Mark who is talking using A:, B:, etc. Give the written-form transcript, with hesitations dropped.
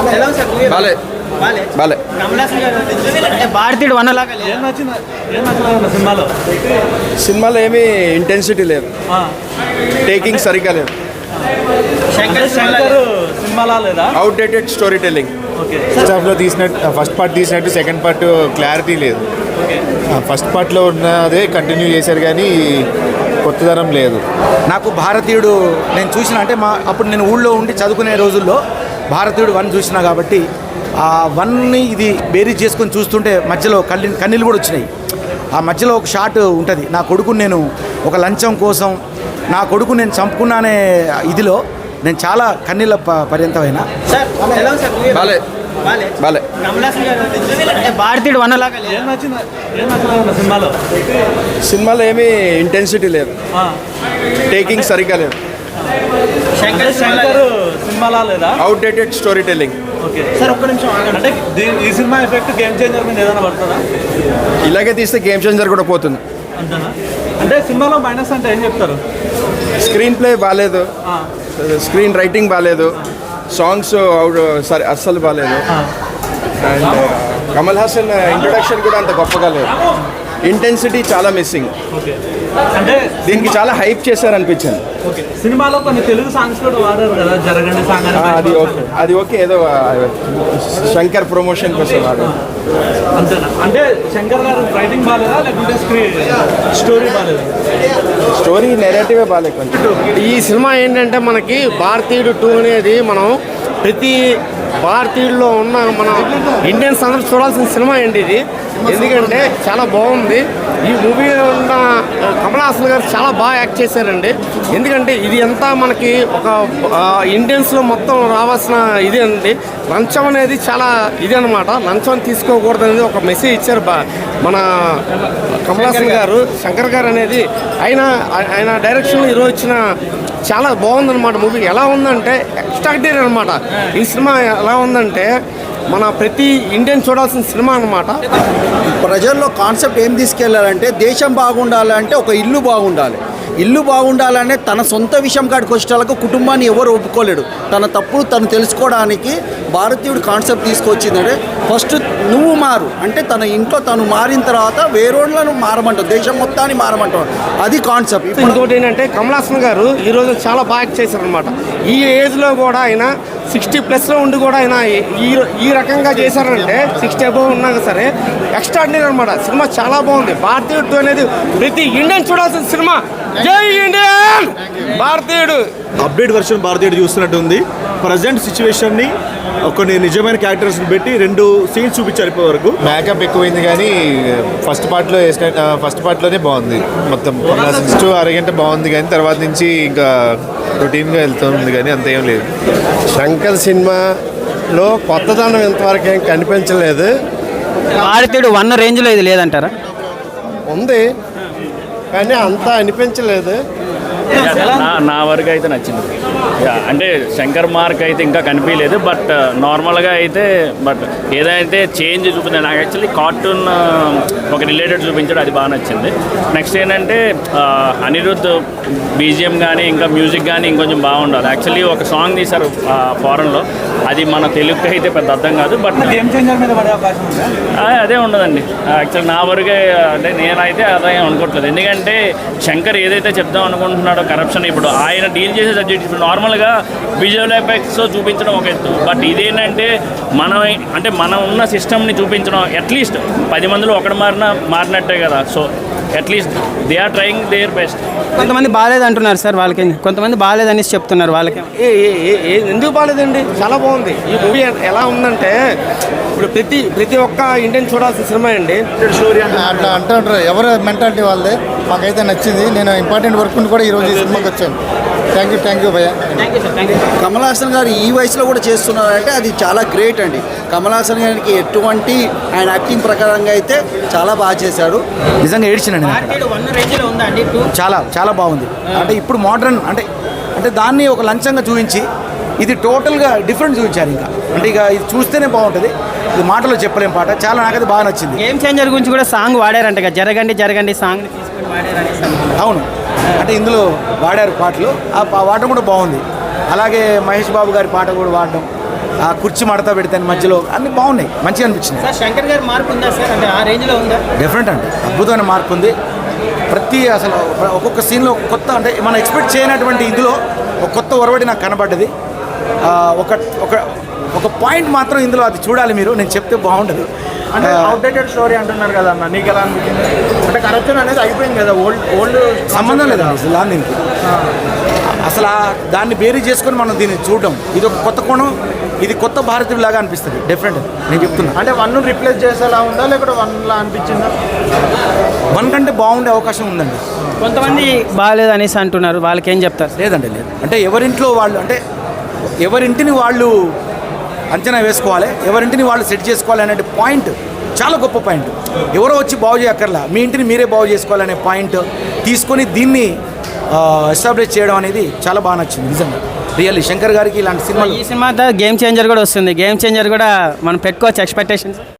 A: బాలే బాలే
B: భారతీయుడు వన్నలాగా
A: సినిమాలో ఏమీ ఇంటెన్సిటీ లేదు, టేకింగ్ సరిగ్గా లేదు,
C: సినిమాలా లేదా,
A: అవుట్డేటెడ్ స్టోరీ టెల్లింగ్.
D: ఫస్ట్ హాఫ్లో తీసినట్టు ఫస్ట్ పార్ట్ తీసినట్టు సెకండ్ పార్ట్ క్లారిటీ లేదు. ఫస్ట్ పార్ట్లో ఉన్నదే కంటిన్యూ చేశారు కానీ కొత్తదనం లేదు.
E: నాకు భారతీయుడు నేను చూసిన అంటే అప్పుడు నేను ఊళ్ళో ఉండి చదువుకునే రోజుల్లో భారతీయుడు 1 చూసినా కాబట్టి ఆ 1ని ఇది బేరీజ్ చేసుకొని చూస్తుంటే మధ్యలో కన్నీళ్ళు కూడా వచ్చినాయి. ఆ మధ్యలో ఒక షాట్ ఉంటుంది, నా కొడుకుని నేను ఒక లంచం కోసం నా కొడుకు నేను చంపుకున్నానే ఇదిలో నేను చాలా కన్నీళ్ళ పర్యంతమైనా.
A: బాలే బాలే
B: భారతీయుడు వన్నలాగా
A: సినిమాలో ఏమీ ఇంటెన్సిటీ లేదు, టేకింగ్ సరిగ్గా లేదు,
C: సినిమాలా లేదా,
A: అవుట్డేటెడ్ స్టోరీ టెల్లింగ్.
C: సార్ ఒక్క నిమిషం అంటే ఈ సినిమా ఎఫెక్ట్ గేమ్ చేంజర్ మీద ఏదైనా పడుతుందా?
A: ఇలాగే తీస్తే గేమ్ చేంజర్ కూడా పోతుంది.
C: అంతేనా? అంటే సినిమాలో మైనస్ అంటే ఏం చెప్తారు?
A: స్క్రీన్ ప్లే బాగాలేదు, స్క్రీన్ రైటింగ్ బాగాలేదు, సాంగ్స్ సరే అస్సలు బాగాలేదు, అండ్ కమల్ హాసన్ ఇంట్రొడక్షన్ కూడా అంత గొప్పగా లేదు, ఇంటెన్సిటీ చాలా మిస్సింగ్.
C: అంటే
A: దీనికి చాలా హైప్ చేశారనిపించింది.
C: సినిమాలో కొన్ని తెలుగు సాంగ్స్ కూడా వాడారు కదా, జరగండి సాంగ్
A: అది ఓకే, ఏదో శంకర్ ప్రమోషన్ కోసం వాడారు.
C: అంతేనా? అంటే శంకర్ గారు రైటింగ్ బాగాలేదా లేకుంటే స్టోరీ బాగాలేదా?
A: స్టోరీ నెరేటివే బాగాలేదు కొంచెం.
F: ఈ సినిమా ఏంటంటే మనకి భారతీయుడు 2 అనేది మనం ప్రతి భారతీయుల్లో ఉన్న మన ఇండియన్స్ అందరూ చూడాల్సిన సినిమా అండి ఇది. ఎందుకంటే చాలా బాగుంది. ఈ మూవీలో ఉన్న కమల్ హాసన్ గారు చాలా బాగా యాక్ట్ చేశారండి. ఎందుకంటే ఇది అంతా మనకి ఒక ఇండియన్స్లో మొత్తం రావాల్సిన ఇది అండి. లంచం అనేది చాలా ఇది అనమాట. లంచం తీసుకోకూడదు అనేది ఒక మెసేజ్ ఇచ్చారు మన కమల్ హాసన్ గారు. శంకర్ గారు అనేది ఆయన డైరెక్షన్లో ఈరోజు ఇచ్చిన చాలా బాగుందన్నమాట. మూవీ ఎలా ఉందంటే ఎక్స్ట్రాడినరీ అనమాట. ఈ సినిమా ఎలా ఉందంటే మన ప్రతి ఇండియన్ చూడాల్సిన సినిమా అనమాట.
G: ప్రజల్లో కాన్సెప్ట్ ఏం తీసుకెళ్లాలంటే దేశం బాగుండాలంటే ఒక ఇల్లు బాగుండాలి. ఇల్లు బాగుండాలనే తన సొంత విషయం కాడికి వచ్చేటలకు కుటుంబాన్ని ఎవరు ఒప్పుకోలేడు. తన తప్పులు తను తెలుసుకోవడానికి భారతీయుడు కాన్సెప్ట్ తీసుకొచ్చిందంటే ఫస్ట్ నువ్వు మారు అంటే తన ఇంట్లో తను మారిన తర్వాత వేరేళ్ళను మారమంటావు, దేశం మొత్తాన్ని మారమంటావు. అది కాన్సెప్ట్.
F: ఇంకోటి ఏంటంటే కమల్ హాసన్ గారు ఈరోజు చాలా బాగా యాక్ట్ చేశారనమాట. ఈ ఏజ్లో కూడా ఆయన 60+ ఉండి కూడా ఆయన ఈ రకంగా చేశారంటే 60 అబోవ్ ఉన్నాక సరే ఎక్స్ట్రాడినరీ అనమాట. సినిమా చాలా బాగుంది. భారతీయుడు అనేది ప్రతి ఇండియన్ చూడాల్సిన సినిమా. జై ఇండియన్! భారతీయుడు
D: అప్డేట్ వర్షన్ భారతీయుడు చూస్తున్నట్టు ఉంది. ప్రజెంట్ సిచ్యువేషన్ని కొన్ని నిజమైన క్యారెక్టర్స్ని పెట్టి 2 సీన్స్ చూపించారు ఇప్పటి వరకు. మేకప్ ఎక్కువైంది కానీ ఫస్ట్ పార్ట్లోనే బాగుంది. మొత్తం ఫస్ట్ అరగంట బాగుంది కానీ తర్వాత నుంచి ఇంకా రొటీన్గా వెళ్తుంది కానీ అంత ఏం లేదు.
H: శంకర్ సినిమాలో కొత్తదనం ఇంతవరకు ఏం కనిపించలేదు.
B: భారతీయుడు 1 రేంజ్లో ఇది లేదంటారా?
H: ఉంది కానీ అంతా అనిపించలేదు.
I: నా వరకు అయితే నచ్చింది. అంటే శంకర్ మార్క్ అయితే ఇంకా కనిపించలేదు, బట్ నార్మల్గా అయితే బట్ ఏదైతే చేంజ్ చూపించాడు నాకు యాక్చువల్లీ కార్టూన్ ఒక రిలేటెడ్ చూపించాడు, అది బాగా నచ్చింది. నెక్స్ట్ ఏంటంటే అనిరుద్ధ్ బీజిఎం కానీ ఇంకా మ్యూజిక్ కానీ ఇంకొంచెం బాగుండాలి. యాక్చువల్లీ ఒక సాంగ్ తీశారు ఫారెన్లో, అది మన తెలుగుకి అయితే పెద్ద అర్థం కాదు. బట్ అదే ఉండదండి యాక్చువల్లీ నా వరకే. అంటే నేనైతే అదే అనుకోవట్లేదు. ఎందుకంటే శంకర్ ఏదైతే చెప్దాం అనుకుంటున్నాడో కరప్షన్, ఇప్పుడు ఆయన డీల్ చేసే సబ్జెక్ట్ ఇప్పుడు నార్మల్గా విజువల్ ఎఫెక్ట్స్ చూపించడం ఒక ఎత్తు, బట్ ఇదేంటంటే మనం ఉన్న సిస్టమ్ని చూపించడం. అట్లీస్ట్ 10 మందిలో ఒకడు మారినట్టే కదా. So at least they are trying their best.
B: కొంతమంది బాగాలేదు అంటున్నారు సార్, వాళ్ళకి కొంతమంది బాగాలేదని చెప్తున్నారు. వాళ్ళకి
F: ఎందుకు బాగాలేదండి? చాలా బాగుంది. ఈ మూవీ ఎలా ఉందంటే ఇప్పుడు ప్రతి ఒక్క ఇండియన్ చూడాల్సిన సినిమా అండి.
D: అట్లా అంటారు ఎవరు మెంటాలిటీ వాళ్ళదే. మాకైతే నచ్చింది. నేను ఇంపార్టెంట్ వర్క్ కూడా ఈరోజు ఈ సినిమాకి వచ్చాను. థ్యాంక్ యూ భయ్య.
G: కమల్ హాసన్ గారు ఈ వయసులో కూడా చేస్తున్నారంటే అది చాలా గ్రేట్ అండి. కమల్ హాసన్ గారికి ఎటువంటి ఆయన యాక్టింగ్ ప్రకారంగా అయితే చాలా బాగా చేశాడు.
E: నిజంగా ఏడ్చినండి. చాలా చాలా బాగుంది. అంటే ఇప్పుడు మోడర్న్ అంటే దాన్ని ఒక లంచంగా చూపించి ఇది టోటల్గా డిఫరెంట్ చూపించారు. ఇంకా అంటే ఇక ఇది చూస్తేనే బాగుంటుంది, ఇది మాటలో చెప్పలేం పాట. చాలా నాకైతే బాగా నచ్చింది.
B: గేమ్ చేంజర్ గురించి కూడా సాంగ్ వాడారంట, జరగండి సాంగ్ తీసుకొని వాడారని.
E: అవును, అంటే ఇందులో వాడారు పాటలు. ఆ వాడడం కూడా బాగుంది. అలాగే మహేష్ బాబు గారి పాట కూడా వాడడం ఆ కుర్చీ మడతా పెడతాను మధ్యలో అన్నీ బాగున్నాయి, మంచిగా అనిపించింది.
B: సార్ శంకర్ గారి మార్పు ఉందా సార్, అంటే ఆ రేంజ్లో ఉందా?
E: డెఫినెట్ అండి, అద్భుతమైన మార్పు ఉంది. అసలు ఒక్కొక్క సీన్లో కొత్త, అంటే మనం ఎక్స్పెక్ట్ చేయనటువంటి ఇందులో ఒక కొత్త ఒరవడి నాకు కనబడ్డది. ఒక ఒక ఒక పాయింట్ మాత్రం ఇందులో అది చూడాలి మీరు, నేను చెప్తే బాగుండదు.
C: అంటే అవుట్డేటెడ్ స్టోరీ అంటున్నారు కదా అన్న, నీకు ఎలా అనిపించింది? అంటే కరప్షన్ అనేది అయిపోయింది కదా, ఓల్డ్
E: సంబంధం లేదు అసలు దీనికి. అసలు దాన్ని బేరీ చేసుకొని మనం దీన్ని చూడడం, ఇది ఒక కొత్త కోణం, ఇది కొత్త భారతీయులాగా అనిపిస్తుంది డెఫినెట్. నేను చెప్తున్నా,
C: అంటే 1 రిప్లేస్ చేసేలా ఉందా లేకపోతే 1లా అనిపించిందా?
E: 1 కంటే బాగుండే అవకాశం ఉందండి.
B: కొంతమంది బాగాలేదు అనేసి అంటున్నారు, వాళ్ళకి ఏం చెప్తారు?
E: లేదండి, లేదు. అంటే ఎవరింట్లో వాళ్ళు, అంటే ఎవరింటిని వాళ్ళు అంచనా వేసుకోవాలి, ఎవరింటిని వాళ్ళు సెట్ చేసుకోవాలి అనే పాయింట్ చాలా గొప్ప పాయింట్. ఎవరో వచ్చి బాగు చేయక్కర్లా, మీ ఇంటిని మీరే బాగు చేసుకోవాలనే పాయింట్ తీసుకొని దీన్ని ఎస్టాబ్లిష్ చేయడం అనేది చాలా బాగా నచ్చింది నిజంగా. రియల్లీ శంకర్ గారికి ఇలాంటి సినిమాలు.
B: ఈ సినిమా గేమ్ చేంజర్ కూడా వస్తుంది, గేమ్ చేంజర్ కూడా మనం పెట్టుకోవచ్చు ఎక్స్పెక్టేషన్స్.